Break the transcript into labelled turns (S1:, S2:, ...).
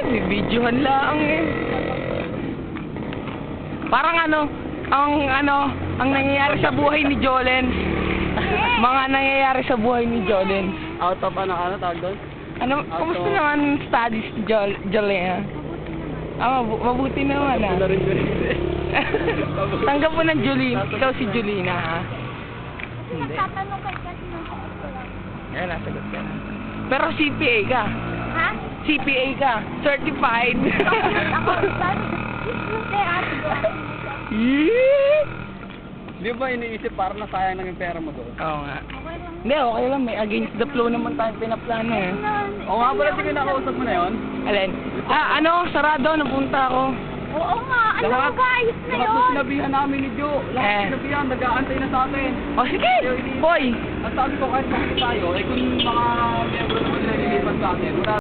S1: Videohan lang eh. Parang ang nangyayari sa buhay ni Jolens. Mga nangyayari sa buhay ni Jolens.
S2: Out of tawag doon?
S1: Kumusta naman studies ni Jolens? Mabuti naman ah.
S2: Wala rin yun.
S1: Tanggap mo ng Julie. Ikaw si Julina ha? Hindi.
S3: Nagtatanong kay kasi nasagot ko lang.
S1: Yan, nasagot ka na. Pero CPA ka.
S3: Ha?
S1: CPA ka. Certified.
S3: Ako, hindi, ate ko.
S1: Yee!
S2: Di ba iniisip parang nasayang lang yung pera mo doon?
S1: Oo nga.
S3: Okay lang.
S1: Hindi, okay lang. May against the flow naman tayong pinaplano eh.
S2: Oo nga pala, sige nakausap mo na yun.
S1: Alin? Sarado. Napunta ako.
S3: Oo nga, alam mo ba, ayos na
S2: Lahat
S3: yun.
S2: ng sinabihan namin ni Jo. Lahat ng sinabihan, nag-aantay na sa atin.
S1: O sige, boy.
S2: Ang sabi ko kahit bakit tayo, kung mga miyembro naman nila nilipat sa atin, wala